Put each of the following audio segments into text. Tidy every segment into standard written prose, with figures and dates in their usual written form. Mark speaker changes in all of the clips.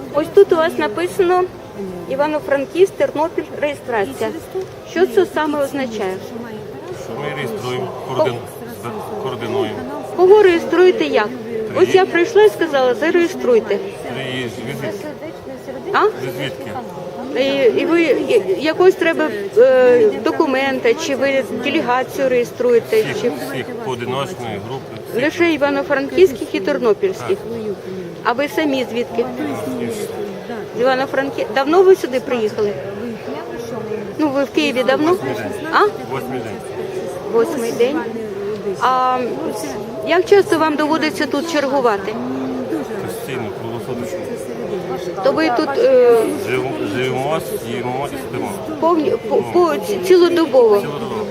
Speaker 1: Ось тут у вас написано Івано-Франківськ, Тернопіль, реєстрація. Що це саме означає?
Speaker 2: Ми реєструємо, координуємо.
Speaker 1: Кого реєструєте як? Ось я прийшла і сказала, зареєструйте.
Speaker 2: Звідки?
Speaker 1: А?
Speaker 2: Звідки?
Speaker 1: І ви якось треба документи, чи ви делегацію реєструєте? Чи...
Speaker 2: Всіх поодиночної групи.
Speaker 1: Лише івано-франківських і тернопільських. А ви самі звідки? З Івано-Франківська. Давно ви сюди приїхали? Ну, ви в Києві давно? А?
Speaker 2: 8-й день.
Speaker 1: 8-й день. А як часто вам доводиться тут чергувати?
Speaker 2: Постійно, круглосуточно.
Speaker 1: То ви тут
Speaker 2: Живемо, їмо і спимо.
Speaker 1: цілодобово.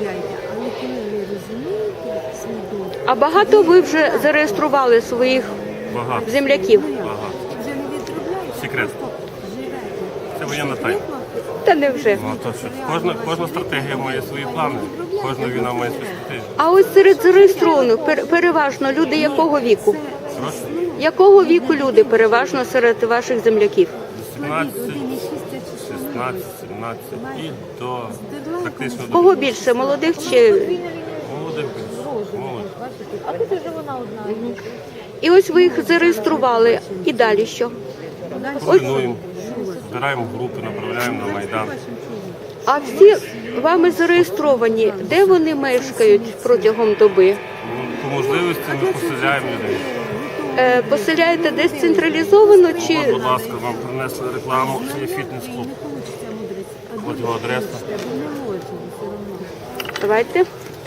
Speaker 1: А багато ви вже зареєстрували своїх
Speaker 2: Багато.
Speaker 1: земляків?
Speaker 2: Багато. Секрет. Це воєнна тайна.
Speaker 1: Та невже.
Speaker 2: Ну, а то що? Кожна стратегія має свої плани. Кожна війна має свою стратегію.
Speaker 1: А ось серед зареєстрованих переважно люди якого віку?
Speaker 2: Прошу?
Speaker 1: Якого віку люди переважно серед ваших земляків?
Speaker 2: 17, 16, 17 і до практично до
Speaker 1: Кого більше, молодих чи...
Speaker 2: молодих. Молодь.
Speaker 1: І ось ви їх зареєстрували. І далі що?
Speaker 2: Координуємо, збираємо групи, направляємо на Майдан.
Speaker 1: А всі вами зареєстровані, де вони мешкають протягом доби?
Speaker 2: По можливості ми поселяємо людей.
Speaker 1: Поселяєте десь централізовано чи...
Speaker 2: От, будь ласка, вам принесли рекламу, це є фітнес-клуб. От його адреса.
Speaker 1: Давайте.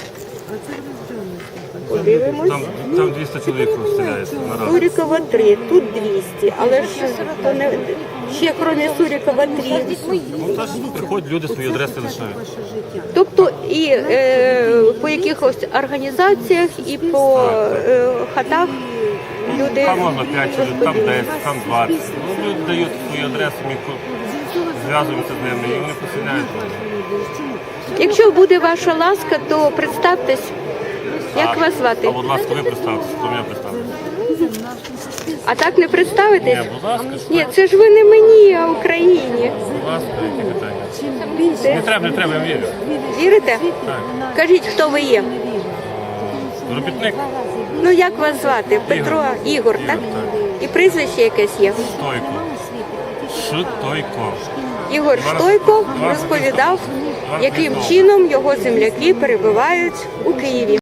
Speaker 1: Подивимось.
Speaker 2: Там 200 чоловік поселяється наразі.
Speaker 1: Сурікова 3, тут 200, але ж то не... ще крім Сурікова 3.
Speaker 2: Ну, теж приходять люди, свої адреси лишають.
Speaker 1: Тобто і по якихось організаціях, і по хатах люди...
Speaker 2: Там можна 5 чоловік, там 10, там 20. Ну, люди дають свої адреси, ми зв'язуємося з ними і вони поселяють.
Speaker 1: Якщо буде ваша ласка, то представтесь. Як вас звати?
Speaker 2: А, будь ласка, ви представтеся, хто мене представить.
Speaker 1: А так не представитесь?
Speaker 2: Ні, будь ласка,
Speaker 1: Ні, це ж ви не мені, а Україні.
Speaker 2: будь ласка, які питання. Не треба, я вірю.
Speaker 1: Вірите?
Speaker 2: Так.
Speaker 1: Кажіть, хто ви є?
Speaker 2: Робітник
Speaker 1: Ну, як вас звати? Петро, Ігор, так?
Speaker 2: так.
Speaker 1: І прізвище якесь є?
Speaker 2: Штойко. Штойко.
Speaker 1: Ігор Штойко розповідав, яким чином його земляки перебувають у Києві.